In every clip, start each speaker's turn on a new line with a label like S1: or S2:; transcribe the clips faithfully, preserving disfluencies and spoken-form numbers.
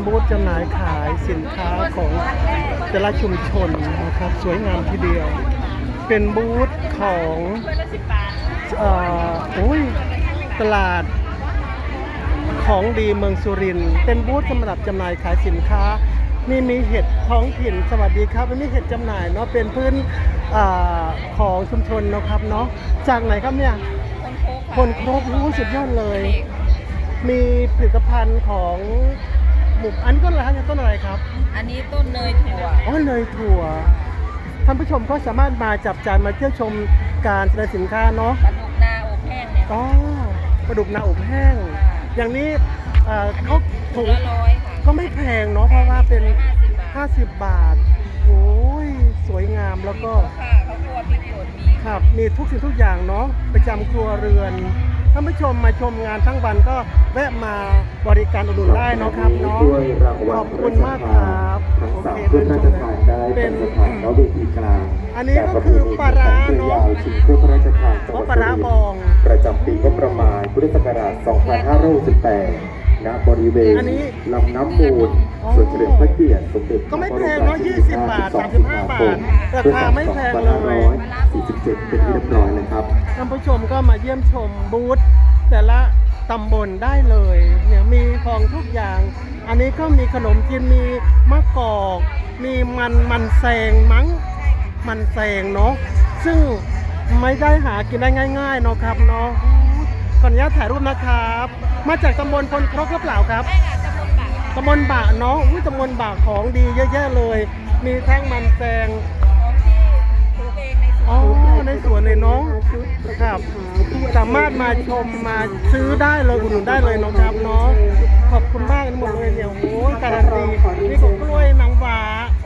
S1: บูธจำหน่ายขายสินค้าของแต่ละชุมชนนะครับสวยงามทีเดียวเป็นบูธของเอ่อโอ้ยตลาดของดีเมืองสุรินทร์เป็นบูธสำหรับจำหน่ายขายสินค้านี่มีเห็ดท้องถิ่นสวัสดีครับวันนี้เห็ดจำหน่ายเนาะเป็นพื้นอาของชุมชนนะครับเนาะจากไหนครับเนี่ยคนครบรู้สุดยอดเลยมีผลิตภัณฑ์ของหมู่อันก็อะไรครับต้นอะไรครับ
S2: อันนี้ต้นเนยถั่ว
S1: อ๋อเนยถั่วท่านผู้ชมก็สามารถมาจับจ่ายมาเที่ยวชมการแสดงสินค้าเนาะ
S2: ปลาดุกนาอบแห้งเนี่ย
S1: อ๋อปลาดุกนาอบแห้งอย่างนี้เขาถุง
S2: ละร้อยค่ะ
S1: ก็ไม่แพงเนาะเพราะว่าเป็นห้าสิบบาทโอ้ยสวยงามแล้วก็
S2: ค่ะเขาครัวพริกป่นมี
S1: ครับมีทุกสิ่งทุกอย่างเนาะประจำครัวเรือนท่านผู้ชมมาชมงานทั้งวันก็แวะมาบริการอุดหนุนได้เนาะครับเนาะขอบคุณมากครับโอเคท่านผู้ชมเป็นอันนี้ก็คือปลาร้าเนาะ
S3: ชิงผู้พระราชทานจังหวัด
S1: ปลาร้าบอง
S3: ประจำปีงบประมาณพุทธศักราชสองพันห้าร้อยหกสิบแปดณบริเวณลำน้ำมูลส่วนเฉลิมพระเกียรติสมเด็จ
S1: ก็ไม่แพงเนาะยี่สิบบาทสามสิบห้าบาทราคาไม่แพงเลย
S3: สี่สิบเจ็ดเป็นที่เรียบร้อยเลยครับ
S1: ท่านผู้ชมก็มาเยี่ยมชมบูธแต่ละตำบลได้เลยเนี่ยมีของทุกอย่างอันนี้ก็มีขนมจีนมีมะกอกมีมันมันแซงมั้งมันแซงเนาะซึ่งไม่ได้หากินได้ง่ายๆเนาะครับเนาะขออนุญาตถ่ายรูปนะครับมาจากตำบลพลครกหรือเปล่าครับตำบลบะเนาะอุ้ยตำบลบะของดีเยอะแยะเลยมีทั้งมันแซงอ๋อในสวนเลยเนาะครับสามารถมาชมมาซื้อได้เลยอุดหนุนได้เลยเนาะครับเนาะขอบคุณมากหมดเลยเนี่ยโอ้ยการันตีนี่ของกล้วยนางฟ้า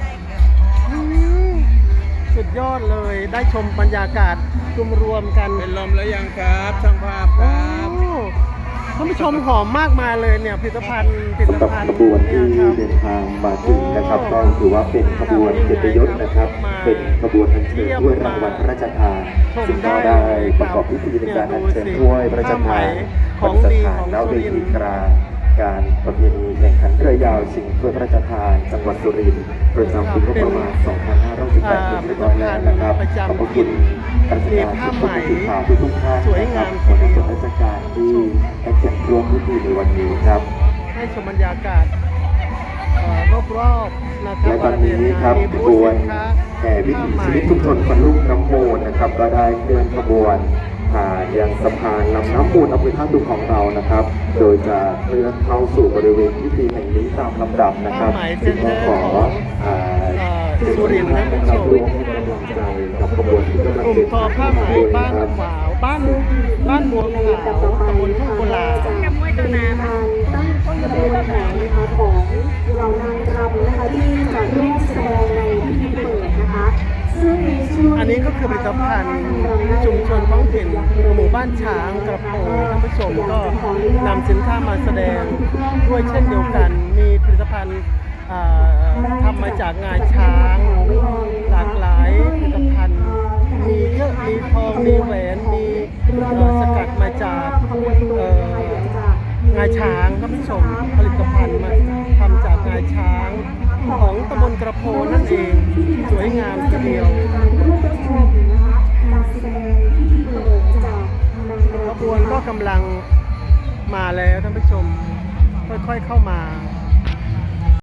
S1: สุดยอดเลยได้ชมบรรยากาศรวมรวมกัน
S4: เป็นลมแล้วยังครับช่างภาพครับ
S1: ท่านผู้ชมหอมมากมาเลยเนี่ยผลิตภัณฑ์ผลิตภัณฑ์
S3: ขบวนที่เดินทางมาถึงนะครับก็ถือว่าเป็นขบวนเกียรติยศนะครับเป็นขบวนอัญเชิญถ้วยรางวัลพระราชทานซึ่งก็ได้ประกอบพิธีในการอัญเชิญถ้วยพระราชทานของสถานแล้วเวทีกลางการประเพณีแข่งขันเรือยาวชิงถ้วยพระราชทานจังหวัดสุรินทร์ประจำปีงบประมาณสองพันห้าร้อยสิบแปดเป็นเรียบร้อยแล้วนะครับขอบคุณราชการทุกผู้สื่อข่าวทุกท่านนะครับขอบคุณราชการที่ให้เกียรติร่วมพิธีในวันนี้ครับ
S1: ให้ชมบรรยากาศรอบๆนะครับ
S3: และตอนนี้ครับขบวนแห่วิถีชีวิตชุมชนคนลูกน้ำโมนนะครับก็ได้เคลื่อนขบวนผ่านยังสะพานลำน้ำมูลอำเภอท่าตูมของเรานะครับโดยจะเคลื่อนเข้าสู่บริเวณพิธีแห่งนี้ตามลำดับนะครับซึ่งก็ขอ
S1: สุรินทร์นะผู้ชม
S3: กับขบวนที่กำลัง
S1: กลุ่มทอผ้าไหมบ้านขวาวบ้านบ้านบัวขาวตำบลทุ่งกุลา
S5: ตั้งตั้งต้นกระบวนการนะคะของเหล่านางรำนะคะที่จะร่วมแสดงในพิธีเปิดนะคะซึ่งในช่วง
S1: อันนี้ก็คือผลิตภัณฑ์ชุมชนท้องถิ่นหมู่บ้านช้างกระโปงท่านผู้ชมก็นำสินค้ามาแสดงด้วยเช่นเดียวกันมีผลิตภัณฑ์ทำมาจากงาช้างหลากหลายผลิตภัณฑ์มีเยอะมีทองมีแหวนมีสกัดมาจากงาช้างท่านผู้ชมผลิตภัณฑ์มาทำจากงาช้างของตำบลกระโพนั่นเองสวยงามทีเดียวขบวนก็กำลังมาแล้วท่านผู้ชมค่อยๆเข้ามา